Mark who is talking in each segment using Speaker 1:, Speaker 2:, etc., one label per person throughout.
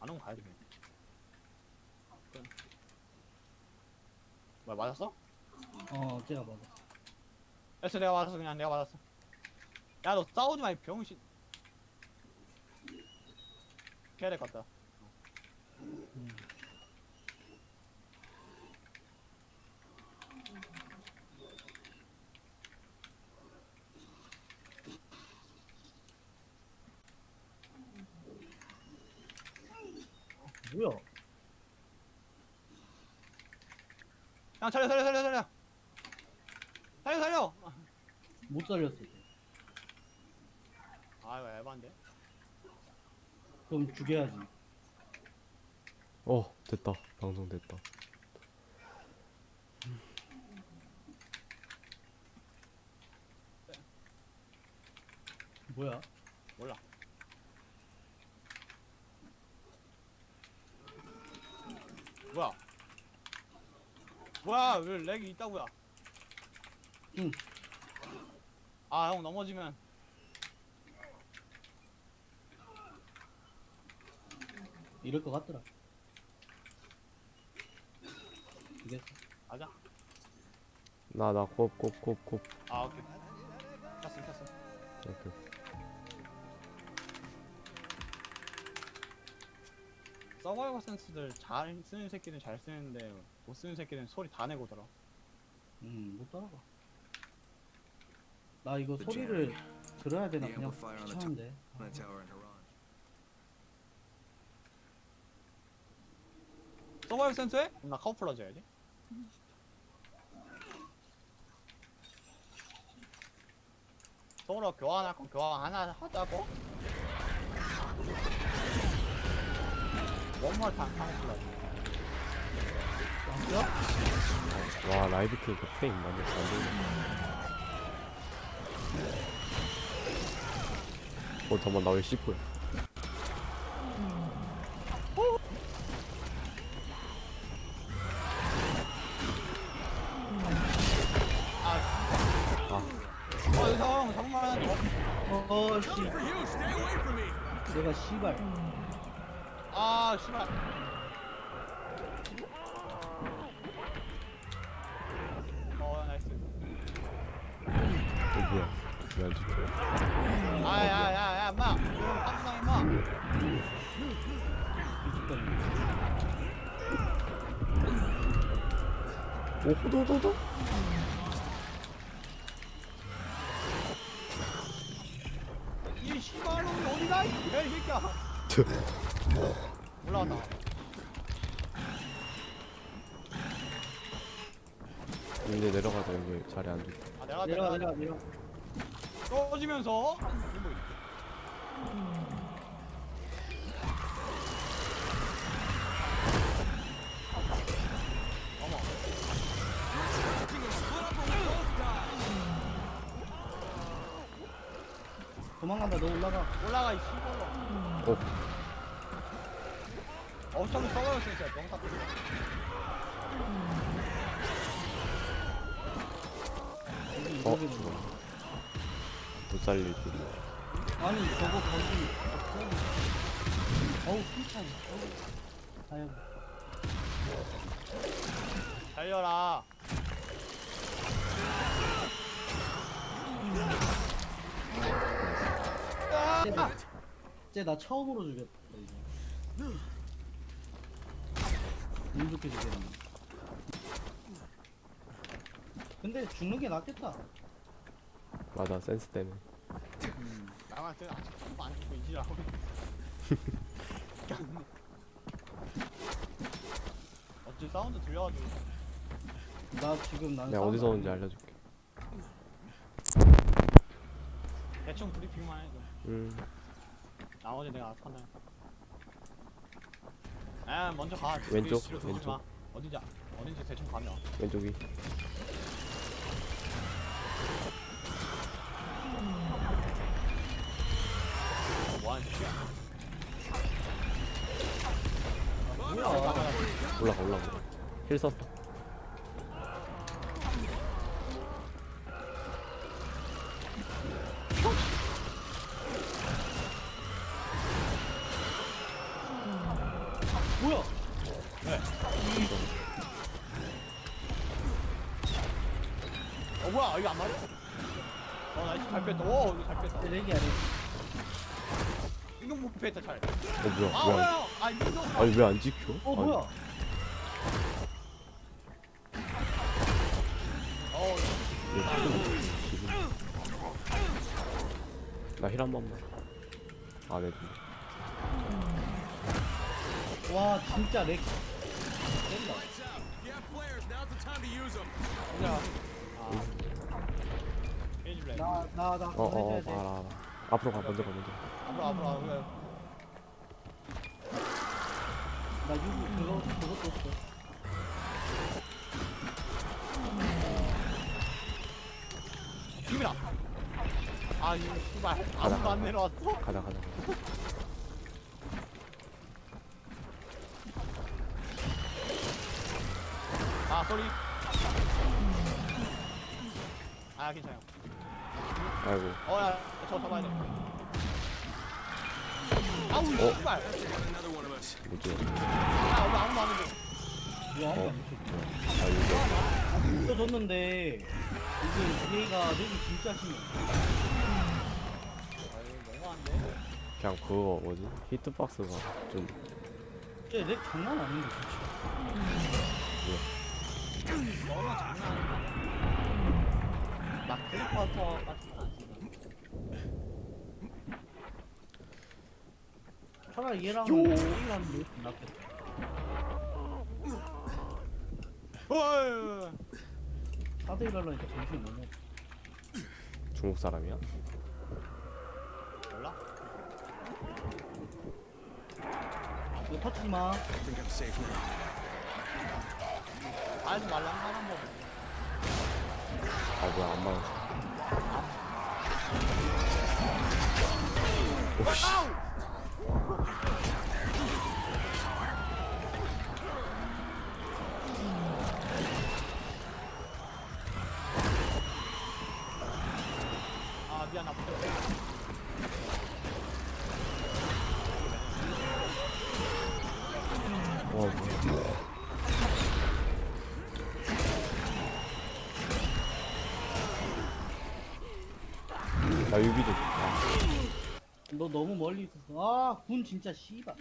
Speaker 1: 오면 가야지. 뭐야 맞았어?
Speaker 2: 제가 맞아.
Speaker 1: 됐어 내가 맞았어 그냥 내가 맞았어. 야 너 싸우지 마 이 병신. 피해야 될 것 같다.
Speaker 2: 뭐야?
Speaker 1: 야 살려. 살려.
Speaker 2: 못 살렸어.
Speaker 1: 아 이거 에반데.
Speaker 2: 그럼 죽여야지.
Speaker 3: 됐다. 방송 됐다.
Speaker 2: 뭐야?
Speaker 1: 몰라. 뭐야 왜 렉이 있다고야?
Speaker 2: 응.
Speaker 1: 아 형 넘어지면
Speaker 2: 이럴 것 같더라. 이겼어.
Speaker 1: 가자.
Speaker 3: 나 곱.
Speaker 1: 아 오케이. 켰어.
Speaker 3: 오케이.
Speaker 1: 서바이벌 센스들 잘 쓰는 새끼는 잘 쓰는데 못 쓰는 새끼는 소리 다 내고 들어.
Speaker 2: 못 따라가. 나 이거 소리를 들어야 되나 그냥 귀찮은데.
Speaker 1: 서바이벌 센스해? 그럼 나 카우플러즈 해야지. 서로 교환할 건 교환 하나 하자고. 원몰 탕 카우플러즈.
Speaker 3: 와 라이브 켜니까 프레임 완전 잘 보이네. 잠깐만 나 왜 C4야?
Speaker 1: 형 정말
Speaker 2: 씨. 내가 씨발.
Speaker 1: 아 씨발. 나이스.
Speaker 3: 뭐야? 왜안 죽여?
Speaker 1: 아야야야 인마 한수상 인마.
Speaker 3: 호도도도?
Speaker 1: 이 씨발놈이 어디가 이 새끼야. 올라왔다.
Speaker 3: 이제 내려가자. 여기 자리 안 좋다.
Speaker 1: 아 내려가. 떨어지면서
Speaker 2: 도망간다. 너 올라가
Speaker 1: 이 씨발로. 어차피 서버였어 진짜 명사.
Speaker 3: 못 살리지.
Speaker 2: 아니 저거 거기. 어우 칭찬. 아유.
Speaker 1: 달려라.
Speaker 2: 쟤나 처음으로 죽였다 이제. 운 좋게 죽였네. 근데 죽는 게 낫겠다.
Speaker 3: 맞아 센스 때문에.
Speaker 1: 나만 쟤 아직 죽고 안 죽고 이지라고. 어찌 사운드 들려가지고.
Speaker 2: 나 지금 난
Speaker 3: 내가 어디서 오는지 알려줄게.
Speaker 1: 대충 브리핑만 해줘. 나머지 내가 판단. 아 먼저 가.
Speaker 3: 왼쪽,
Speaker 1: 뒤로
Speaker 3: 왼쪽.
Speaker 1: 마. 어딘지 대충 가면.
Speaker 3: 왼쪽이.
Speaker 1: 뭐하는 짓이야?
Speaker 3: 올라가. 힐 썼어.
Speaker 1: 뭐야 이거 안 맞아? 나이스 잘 뺐다. 오 이거 잘 뺐다.
Speaker 2: 렉이야 렉.
Speaker 1: 이거 못 뺐다 잘.
Speaker 3: 뭐야
Speaker 1: 아
Speaker 3: 뭐야
Speaker 1: 뭐야? 아 민성.
Speaker 3: 아니 왜 안 지켜?
Speaker 2: 뭐야?
Speaker 3: 나힐 한 번만 안 해도
Speaker 2: 와 진짜 렉. 렉이다.
Speaker 1: 그냥. 페이지 블랙.
Speaker 2: 나나 그거
Speaker 3: 어어
Speaker 2: 해줘야 돼.
Speaker 3: 알아 앞으로 가 먼저 가 먼저
Speaker 1: 앞으로.
Speaker 2: 나 유부 그것도 없어.
Speaker 1: 힘이라. 아 이거 씨발 아무도 안 내려왔어?
Speaker 3: 가자
Speaker 1: 아 쏘리. 아 괜찮아요.
Speaker 3: 아이고
Speaker 1: 어야 저 잡아야 돼. 아우 씨발.
Speaker 3: 뭐지
Speaker 1: 아 여기 아무도 안 오는데.
Speaker 2: 이거 아무도 안
Speaker 3: 아 이거
Speaker 2: 붙여줬는데 이게 얘가 렉이 진짜 심해.
Speaker 1: 아 이거 너무한데.
Speaker 3: 그냥 그거 뭐지 히트박스가 좀
Speaker 2: 쟤렉 장난 아닌데 진짜.
Speaker 1: 너무 장난 아니야. 막 트리퍼터 같은 거 안 쓰는.
Speaker 2: 차라리 얘랑 얘랑 렉이 낫겠다.
Speaker 1: 어이.
Speaker 2: 4대1 하려니까 정신이 너무.
Speaker 3: 중국 사람이야?
Speaker 1: 몰라?
Speaker 2: 이거 터치지 마.
Speaker 1: 알지 말란 사람 뭐.
Speaker 3: 아 뭐야 안 맞았어 오씨
Speaker 1: 아 미안 나 못했어.
Speaker 3: 와 뭐야 나 유비도
Speaker 2: 너 너무 멀리 있었어. 아, 군 진짜 씨발.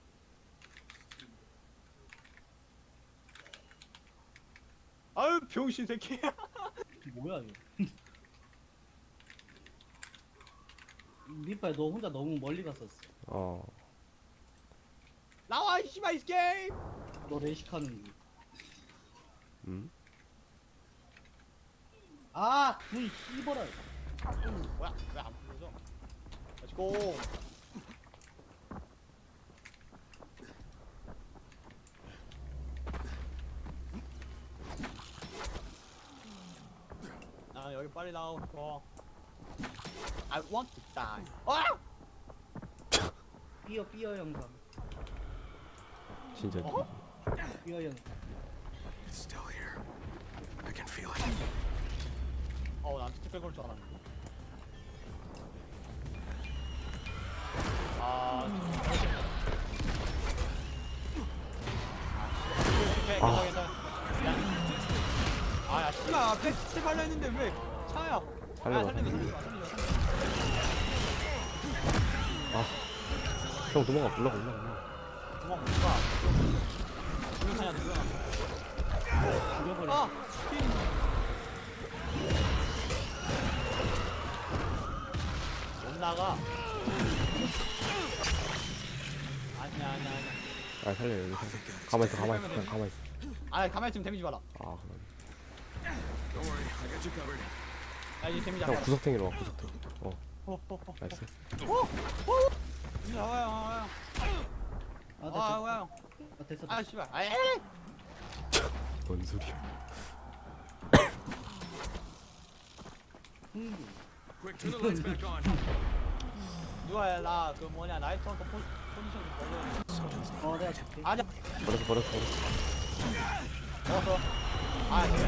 Speaker 1: 아유 병신 새끼.
Speaker 2: 뭐야 이거. 밑발 너 혼자 너무 멀리 갔었어.
Speaker 3: 어
Speaker 1: 나와 이 씨발 이 게임.
Speaker 2: 너 레식하는 거.
Speaker 3: 음?
Speaker 2: 아, 군 씨발아.
Speaker 1: 뭐야 왜 안 풀어져? 렛츠고. 나 여기 빨리 나오고 싶어. I want to die. 아!
Speaker 2: 삐어 영상.
Speaker 3: 진짜
Speaker 1: 어?
Speaker 2: 삐어 영상.
Speaker 4: It's still here. I can feel it.
Speaker 1: 난 특별 걸줄 알았는데. 아. 괜찮아. 미안. 야, 씨발, 백스 발려 했는데 왜 차야?
Speaker 3: 살려봐,
Speaker 1: 살리지 마.
Speaker 3: 형 도망가 올라가
Speaker 1: 도망 못 가. 누구 차냐, 누구야?
Speaker 2: 죽여버려.
Speaker 1: 아! 못 나가. 아니야.
Speaker 3: 아 살려 여기 살려 가만있어 그냥 가만있어
Speaker 1: 가만히 있으면 데미지 봐라.
Speaker 3: 아 그만
Speaker 4: Don't worry, I got you covered.
Speaker 1: 야, 이제 데미지 안
Speaker 3: 형
Speaker 1: 봐.
Speaker 3: 구석탱이로 와 구석탱 나이스
Speaker 1: 나와요.
Speaker 2: 아, 됐어.
Speaker 1: 아, 씨발. 아, 에이!
Speaker 3: 뭔 소리야
Speaker 4: Quick, turn the lights back on.
Speaker 1: 누가 나그 뭐냐 나이트 헌터 포지션 걸려.
Speaker 2: 내가 줄게.
Speaker 1: 아니야.
Speaker 3: 버렸어
Speaker 1: 먹었어. 아, 그래.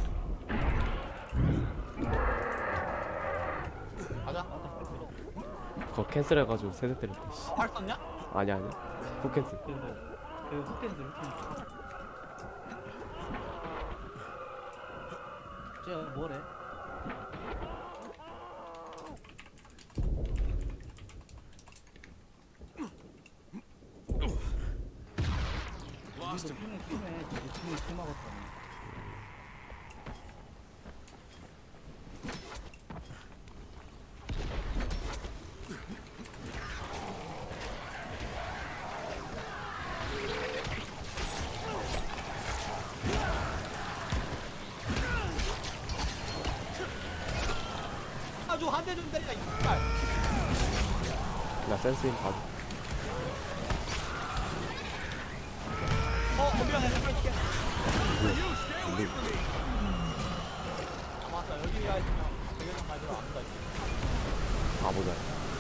Speaker 1: 가자.
Speaker 3: 그거 캔슬해가지고 세대 때렸대 씨.
Speaker 1: 활 썼냐?
Speaker 3: 아니야 후 캔슬
Speaker 2: 그 흑캔들. 쟤 뭐래?
Speaker 4: Lost
Speaker 2: 우리도
Speaker 4: him.
Speaker 2: 팀에 내 팀이 팀 막았다네.
Speaker 1: 아주 한 대 좀 때리자 이발.
Speaker 3: 나 센스인 봐줘.
Speaker 1: 미안 내가 뺄게.
Speaker 3: 근데
Speaker 1: 아 맞다 여기가 있으면 대결장 가지러 아무도 있지.
Speaker 3: 바보다.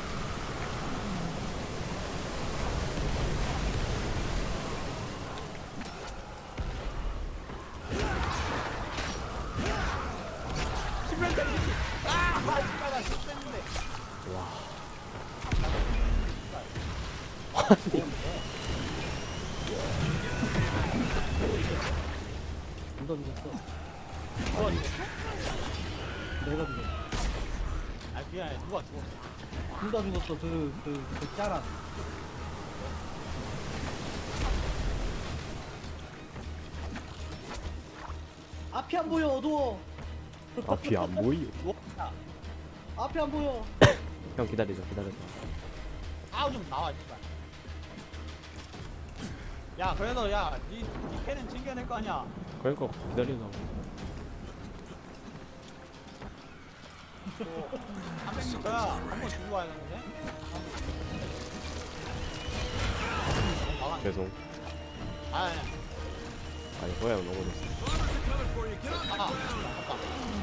Speaker 1: 신발 때리지. 씨발 나 실수했는데.
Speaker 3: 와.
Speaker 2: 누가 죽었어?
Speaker 1: 어,
Speaker 2: 내가 죽었어.
Speaker 1: 아 미안해 누가 죽었어.
Speaker 2: 누가 죽었어? 그 짜란. 앞이 안 보여, 어두워.
Speaker 3: 앞이 안 보여.
Speaker 1: 누웠다.
Speaker 2: 앞이 안 보여.
Speaker 3: 형 기다리자 기다려줘.
Speaker 1: 아우 좀 나와 씨발. 야 그래도 야니 캔은 챙겨낼 거 아니야.
Speaker 3: 그러니까 기다리자.
Speaker 1: 또 300m야 한번 주고 와야 되는데.
Speaker 3: 죄송.
Speaker 1: 아니
Speaker 3: 아니 호야 형 넘어졌어.
Speaker 1: 잠깐.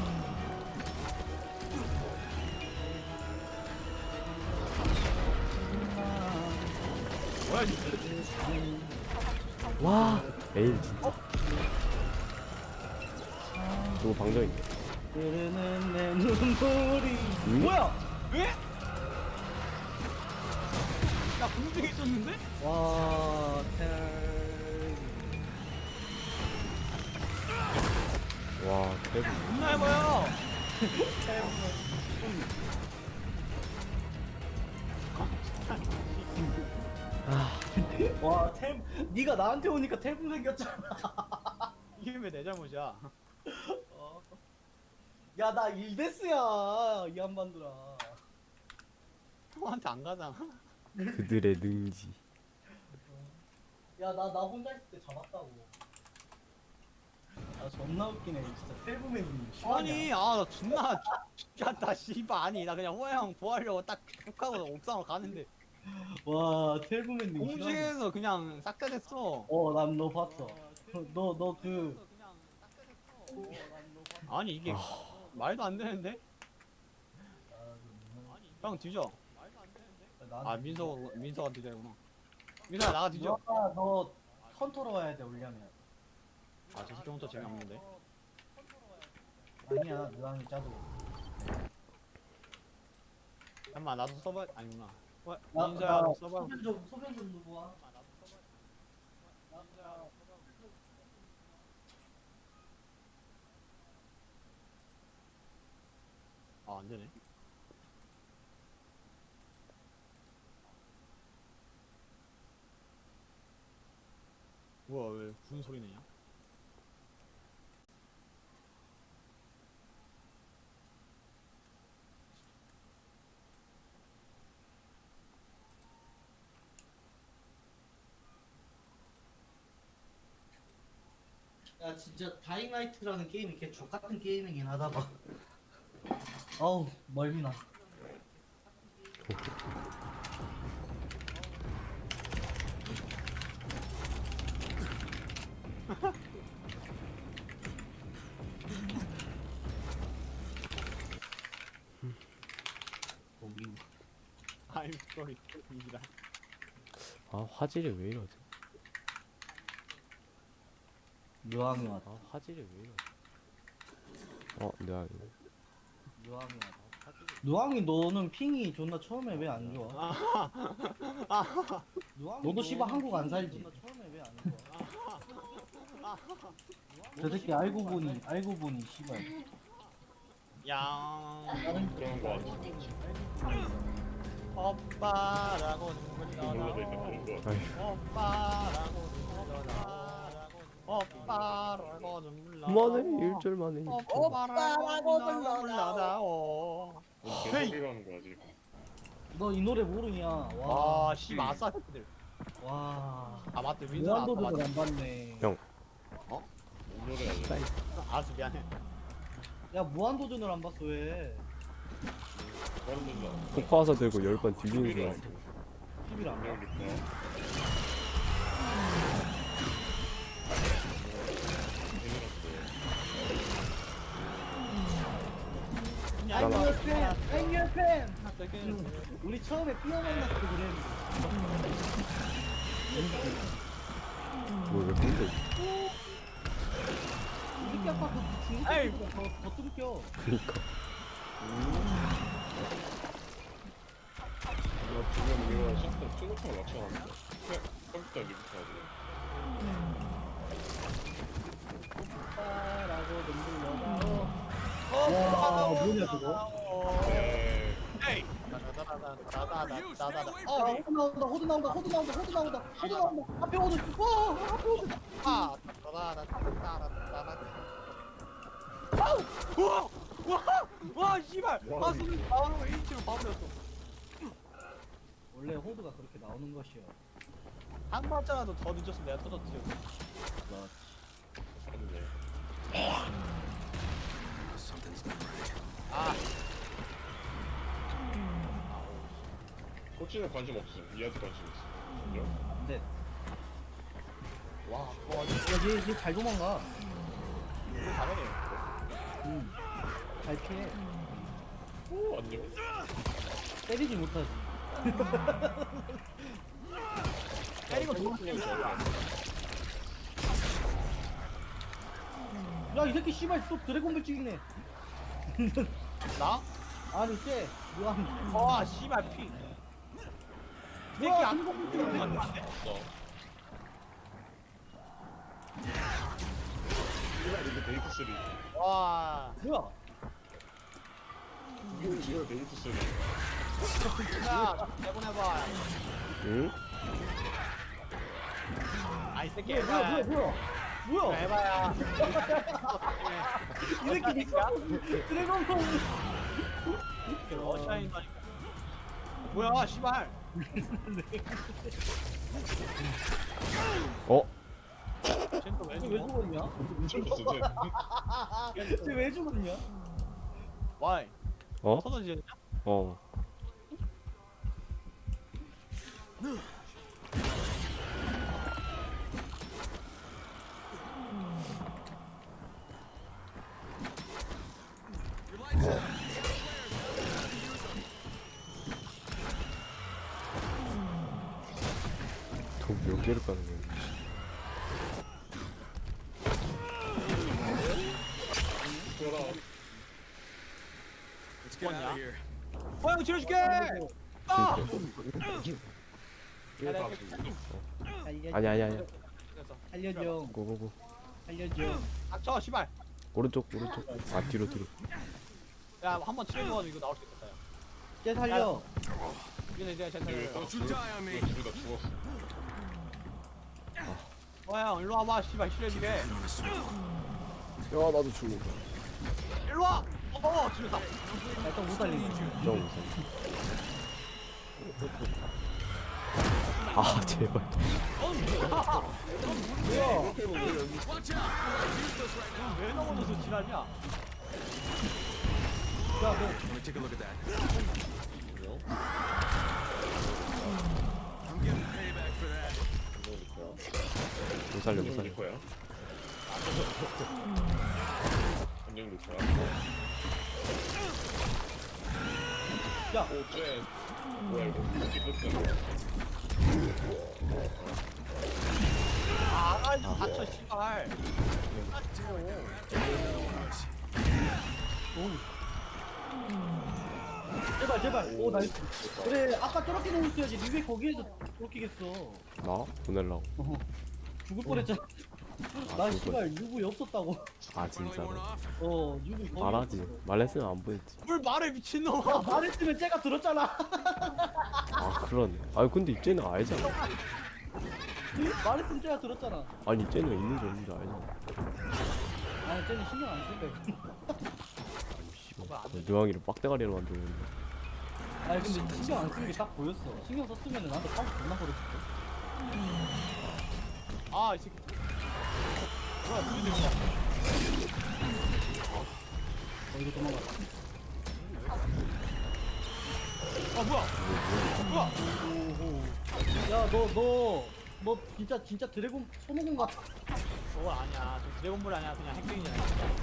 Speaker 1: 뭐야 이
Speaker 3: 와. 에일 진짜. 누구 방정인데?
Speaker 2: 흐르는 내 눈물이.
Speaker 3: 응?
Speaker 2: 뭐야?
Speaker 1: 왜? 나 공중에 있었는데?
Speaker 2: 와, 텔.
Speaker 3: 와 대박.
Speaker 1: 존나 해봐요.
Speaker 2: 와, 텔. 네가 나한테 오니까 텔분 생겼잖아.
Speaker 1: 이게 왜 내 잘못이야?
Speaker 2: 야, 나 일데스야, 이 한반도라.
Speaker 1: 형한테 안 가잖아.
Speaker 3: 그들의 능지.
Speaker 2: 야, 나 혼자 있을 때 잡았다고. 아, 존나 웃기네, 진짜. 텔분맨님.
Speaker 1: 아니, 아, 나 존나 죽겠다, 씨발. 아니, 나 그냥 호야 형 보하려고 딱 툭하고 옥상으로 가는데.
Speaker 2: 와, 텔분맨님.
Speaker 1: 공중에서 그냥 싹 다 됐어.
Speaker 2: 난 너 봤어. 너 그.
Speaker 1: 아니, 이게 말도 안 되는데? 형 뒤져. 아, 민서가 뒤져야구나. 민서야, 나가 뒤져.
Speaker 2: 너 컨트롤 와야 돼, 올려면.
Speaker 1: 아, 저 새끼 혼자 재미없는데?
Speaker 2: 아니야, 누랑이 짜도.
Speaker 1: 잠깐만, 나도 써봐. 아니구나.
Speaker 2: 나-
Speaker 1: 민서야,
Speaker 2: 나
Speaker 1: 너 써봐.
Speaker 2: 소변 좀 누구 와?
Speaker 1: 아, 안 되네. 뭐야, 왜 무슨 소리 내냐?
Speaker 2: 야, 진짜 다잉라이트라는 게임이 개 족같은 게임이긴 하다 봐. 어우, 멀미나.
Speaker 1: I'm sorry. 이기다.
Speaker 3: 아 화질이 왜 이러지?
Speaker 2: 묘함이 왔다.
Speaker 3: 아 화질이 왜 이러지? 내가 이거.
Speaker 2: 묘함이 왔다. 누앙이 너는 핑이 존나 처음에 왜 안 좋아? 너도 씨발 한국 안 살지? 처음에 왜 안 좋아? 저 새끼 알고 보니 씨발
Speaker 1: 양
Speaker 5: 그런 거 같아.
Speaker 1: 오빠라고 눈물
Speaker 5: 몰라도 일단 그런 거 같아.
Speaker 3: 아휴.
Speaker 1: 오빠라고 눈물 나고 오빠라고 눈물 나고
Speaker 3: 그만해 1절만 해.
Speaker 1: 오빠라고 눈물 나고
Speaker 5: 개소리라는 거야 지금.
Speaker 2: 너 이 노래 모르냐?
Speaker 1: 와, 씨 마사들.
Speaker 2: 와.
Speaker 1: 아 맞대 윈선 아까
Speaker 2: 무한도전을
Speaker 1: 맞대.
Speaker 2: 안 봤네.
Speaker 3: 형.
Speaker 5: 뭔 노래야 이거.
Speaker 1: 알았어 미안해.
Speaker 2: 야 무한도전을 안 봤어 왜?
Speaker 5: 다른 노래.
Speaker 3: 폭파화사 들고 10번 뒤지는 줄 알았어.
Speaker 2: TV를 안 봐.
Speaker 5: 안녕 리퍼.
Speaker 2: I'm your fan. I'm your fan. 우리 처음에 삐어 만났을 때 그랬는데.
Speaker 3: 뭐왜 근데
Speaker 2: 이렇게 아까 그 중국
Speaker 1: 에이.
Speaker 2: 친구가 더 뚱겨.
Speaker 3: 그니까
Speaker 5: 나 지금 이거 시스템 최고점을 맞춰놨는데. 컴퓨터 리부터
Speaker 2: 오빠라고 눈물 나고.
Speaker 1: 와
Speaker 2: 뭐냐, 그거?
Speaker 5: 하지.
Speaker 1: 에이.
Speaker 2: 호드 나온다. 호드 나온다. 호드 나온다. 호드 나온다. 호드 나온다. 앞에 호드. 와 앞에 호드.
Speaker 1: 와 씨발 아 손을 나오는 거 1치로 바보였어.
Speaker 2: 원래 호드가 그렇게 나오는 것이요.
Speaker 1: 한 발자라도 더 늦었으면 내가 터졌지.
Speaker 4: Something's not right.
Speaker 1: 아
Speaker 5: 코치는 관심 없음. 이한테 관심 있어. 그죠?
Speaker 2: 안 돼.
Speaker 1: 와,
Speaker 2: 야얘잘 도망가.
Speaker 1: 잘하네.
Speaker 2: 응. 잘 피해.
Speaker 5: 오 안녕.
Speaker 2: 때리지 못하지.
Speaker 1: 때리고 도망치는 거야.
Speaker 2: 야 이 새끼 씨발 또 드래곤볼 찍네.
Speaker 1: 나?
Speaker 2: 아니 쟤 뭐야?
Speaker 1: 와 씨발 피. 새끼
Speaker 2: 뭐야,
Speaker 1: 안
Speaker 2: 드래곤볼
Speaker 1: 먹는
Speaker 2: 찍네.
Speaker 1: 거 같은데?
Speaker 5: 없어. 이거 데이트 3.
Speaker 1: 와.
Speaker 2: 뭐야?
Speaker 5: 이거 데이트 3.
Speaker 1: 야, 내보내봐.
Speaker 3: 응?
Speaker 1: 아이 새끼
Speaker 2: 뭐야?
Speaker 1: 해봐.
Speaker 2: 뭐야?
Speaker 1: 해봐야.
Speaker 2: 이 새끼 미쳤어. 드래곤볼.
Speaker 1: 어샤인다니까. 뭐야, 씨발.
Speaker 3: 어?
Speaker 1: 쟤는 또왜
Speaker 2: 쟤왜
Speaker 1: 죽어?
Speaker 2: 죽었냐?
Speaker 5: 미쳤어 쟤.
Speaker 2: 쟤 왜 죽었냐?
Speaker 1: 와이.
Speaker 3: 어?
Speaker 1: 터져지냐?
Speaker 3: 어. 돈 몇 개를 까는 거야?
Speaker 5: 돌아.
Speaker 4: Let's get out of here.
Speaker 1: 형 지어줄게. 아.
Speaker 5: 이거 다
Speaker 3: 아니 아니 아니.
Speaker 2: 살려줘.
Speaker 3: 고고고.
Speaker 2: 살려줘.
Speaker 1: 닥쳐, 씨발.
Speaker 3: 오른쪽 오른쪽. 아 뒤로 뒤로.
Speaker 1: 야, 한번 치료해가지고 이거 나올 수 있겠다. 야.
Speaker 2: 쟤 살려.
Speaker 1: 이제 쟤
Speaker 5: 왜
Speaker 1: 살려.
Speaker 5: 둘 다 죽었어.
Speaker 1: 와, 형 일로 와봐, 씨발 치료해주게.
Speaker 3: 야 나도 죽어.
Speaker 1: 일로 와. 치료다.
Speaker 2: 일단 못 살리네.
Speaker 3: 좀 무서워. 아 제발.
Speaker 1: 왜 넘어져서 지랄이야?
Speaker 2: 야
Speaker 4: Let me take a look at that. I'm getting payback for that.
Speaker 3: 못 살려 못
Speaker 5: 안녕
Speaker 3: 살려.
Speaker 5: 리퍼야. 안녕 리퍼야.
Speaker 2: 야.
Speaker 5: 오 쟤. 뭐야 이거? 디프트.
Speaker 1: 아, 좀 다쳐, 씨발.
Speaker 2: 제발. 오 나이스. 그래 아까 저렇게 놓으셔야지. 니왜 거기에서 저렇게겠어.
Speaker 3: 나 보낼라고.
Speaker 2: 죽을 뻔했잖아. 나 씨발 유부에 없었다고.
Speaker 3: 아
Speaker 4: Finally
Speaker 3: 진짜로?
Speaker 4: worn off.
Speaker 2: 유부 거기
Speaker 3: 말하지.
Speaker 2: 없었어.
Speaker 3: 말했으면 안 보였지.
Speaker 1: 뭘 말해 미친놈아.
Speaker 2: 말했으면 쟤가 들었잖아.
Speaker 3: 아 그러네. 아니 근데 쟤는 알잖아.
Speaker 2: 말했으면 쟤가 들었잖아.
Speaker 3: 아니 쟤는 있는지 없는지 알잖아.
Speaker 2: 아니 쟤는 신경 안 쓸 거야.
Speaker 3: 씨발 뇌왕이를 빡대가리로 만들었는데.
Speaker 2: 아니 근데 신경 안 쓰는 게 딱 보였어. 신경 썼으면 나한테 팔 존나 버렸을 걸.
Speaker 1: 아이 새끼. 뭐야 누구들 이거.
Speaker 2: 이거 도망가.
Speaker 1: 아 뭐야? 뭐야?
Speaker 2: 야 너 진짜 드래곤 손오공 같아.
Speaker 1: 저거 아니야. 저 드래곤볼 아니야. 그냥 핵쟁이잖아.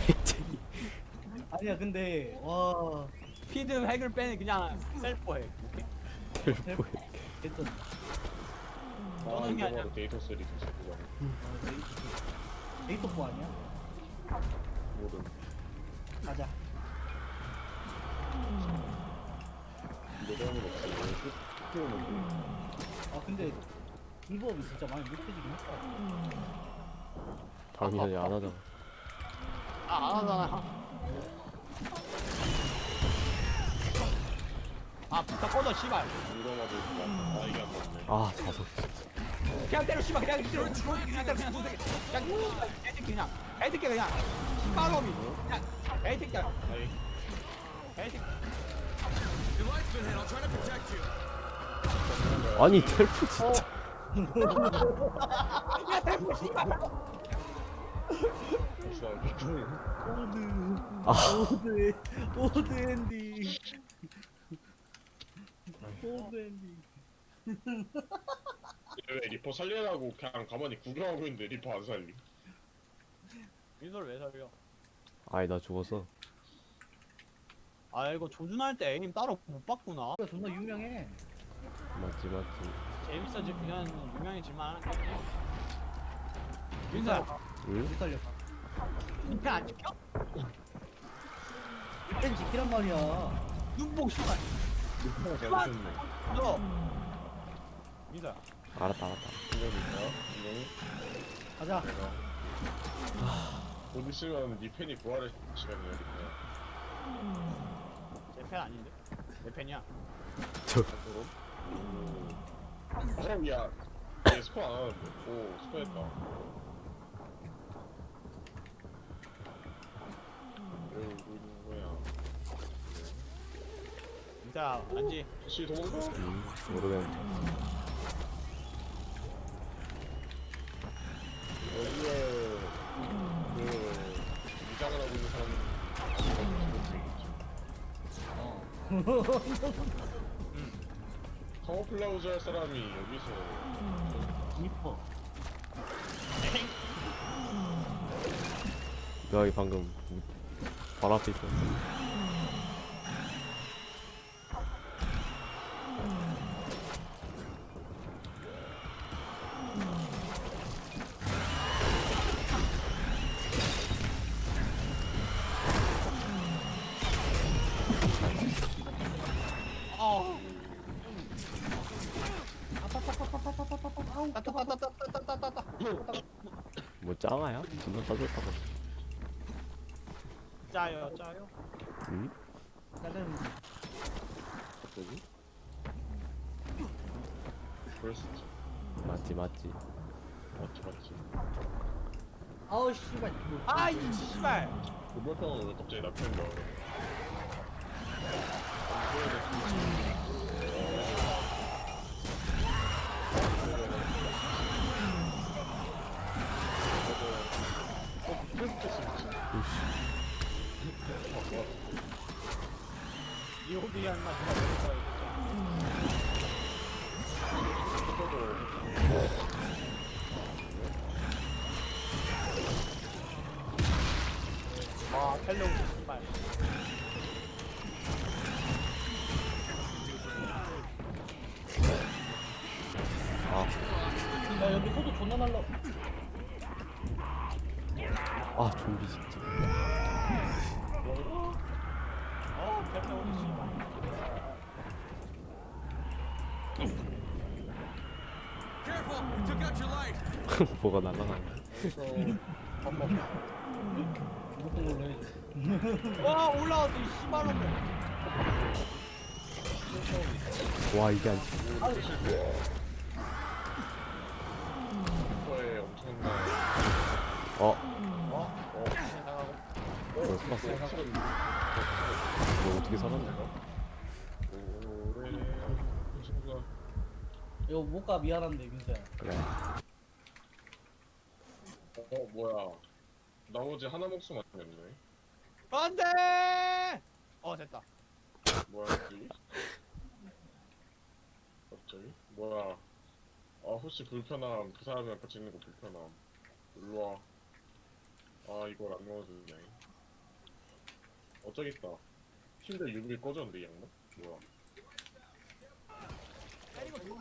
Speaker 2: 아니야 근데 와
Speaker 1: 피드 핵을 빼는 그냥 셀프 핵. 오케이?
Speaker 3: 헬포에.
Speaker 2: 됐어.
Speaker 5: 아
Speaker 1: 저는 게
Speaker 5: 이거
Speaker 1: 아니야.
Speaker 5: 바로 데이터 쓰리 진짜 그거
Speaker 2: 데이터포 아니야?
Speaker 5: 모든
Speaker 2: 가자.
Speaker 5: 이거 때문에 없어. 키우는데.
Speaker 2: 아 근데 불법이 진짜 많이 못해지긴 했다.
Speaker 3: 다음이 전에 안 하잖아.
Speaker 1: 안 하잖아. 아 부탁 꺼져 씨발.
Speaker 5: 이러마도 있다. 아 이게 안 맞네.
Speaker 3: 아 자석.
Speaker 1: 그냥 때려 씨발 그냥 때려. 그냥 때려 그냥 손대게. 그냥 애새끼 그냥. 애새끼 그냥. 씨발놈이. 그냥 애새끼야.
Speaker 5: 아이
Speaker 1: 애새끼.
Speaker 4: Your life's been hit. I'll try to protect you.
Speaker 3: 아니 텔프 진짜.
Speaker 1: 야 대포 씨발.
Speaker 5: 진짜 미친.
Speaker 2: 오드 엔디. 오드 엔디.
Speaker 5: 왜 리퍼 살려라고 그냥 가만히 구경하고 있는데 리퍼 안 살리?
Speaker 1: 민소를 왜 살려?
Speaker 3: 아니 나 죽었어.
Speaker 1: 아 이거 조준할 때 에임 따로 못 봤구나.
Speaker 2: 존나 유명해.
Speaker 3: 맞지 맞지.
Speaker 1: 재밌어지 그냥 유명해질만 하는 거지. 민서야,
Speaker 3: 응?
Speaker 2: 못 살렸다.
Speaker 1: 인펜 안 지켜?
Speaker 2: 펜 지키란 말이야.
Speaker 1: 눈봉 씨발.
Speaker 5: 리퍼가 잘못했네.
Speaker 1: 너. 민서야.
Speaker 3: 알았다 알았다.
Speaker 5: 이거니까 이거는
Speaker 2: 가자.
Speaker 5: 내가 곧 있으면 니 팬이 부활할 시간이야 리퍼야.
Speaker 1: 제 펜 아닌데? 내 펜이야.
Speaker 5: 앞으로. 야, 얘 스포 안 하는데. 오, 스포했다. 왜 울고 있는 거야?
Speaker 1: 민서야, 안지.
Speaker 5: 씨 도망가?
Speaker 3: 모르겠는데.
Speaker 5: 여기에 그 무장을 하고 있는 사람은 카모플라우즈 할 사람이 여기서
Speaker 2: 리퍼.
Speaker 3: 뇌왕이 방금 바로 앞에 있었어.
Speaker 1: 어.
Speaker 3: 뭐 짱아야? 존나 따졌다고.
Speaker 1: 짜요, 짜요.
Speaker 3: 응?
Speaker 2: 나는
Speaker 5: 갑자기? 그럴 수 있지.
Speaker 3: 맞지 맞지.
Speaker 5: 맞지.
Speaker 2: 아우 씨발 이거.
Speaker 1: 아이 씨발.
Speaker 5: 그벌평은 왜 갑자기 나 편인가?
Speaker 1: 이 호비한 맛 누가 먹을 거야 진짜. 와, 텔레오스 씨발.
Speaker 2: 야 여기 소도 존나 날라.
Speaker 3: 아 좀비 진짜.
Speaker 1: 텔레오스 씨발.
Speaker 4: Careful! You took out your light.
Speaker 3: 뭐가 날아가네.
Speaker 2: 못본 걸로 해줘.
Speaker 1: 와 올라왔어 이 씨발놈들.
Speaker 3: 와 이게 안
Speaker 5: 거에 엄청난
Speaker 3: 어?
Speaker 1: 나가고.
Speaker 3: 뭘 살았어? 너 어떻게 살았냐?
Speaker 5: 오래 친구가
Speaker 2: 이거 못 가 미안한데 민서야.
Speaker 3: 그래
Speaker 5: 뭐야 나머지 하나 목숨 아니었네.
Speaker 1: 안돼. 됐다.
Speaker 5: 뭐야 갑자기? 갑자기? 뭐야 혹시 불편함 그 사람이랑 같이 있는 거 불편함 일로와. 이걸 안 넣어주네. 저기 있다. 침대 유리 꺼졌는데 이 양반? 뭐야
Speaker 1: 때리고 죽어.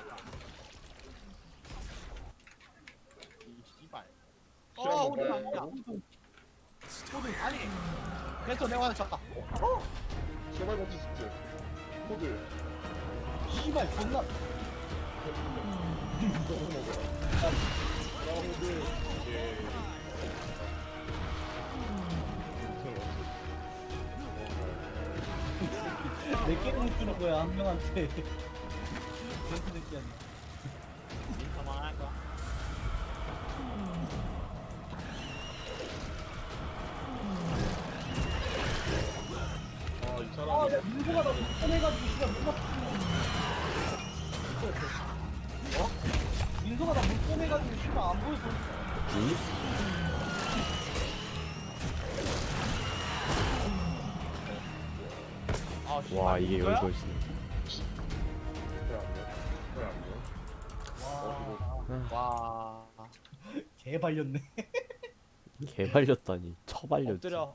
Speaker 1: 이 씨발. 호두 아니야. 호두 아니. 됐어 내가 하나 잡다.
Speaker 5: 제발 버티 숙제 코드
Speaker 2: 씨발 존나.
Speaker 5: 예.
Speaker 2: 내 게임을 주는 거야 한 명한테. 젠트 새끼야.
Speaker 1: 그만할 거야.
Speaker 5: 이 사람이
Speaker 2: 야 민서가 나 꺼내가지고 씨발 누가 민서가 나 물 꺼내가지고 씨발 안 보여서.
Speaker 3: 와 이게 여기서 있어
Speaker 1: 와.
Speaker 2: 개 발렸네.
Speaker 3: 개 발렸다니 처발렸지
Speaker 1: 엎드려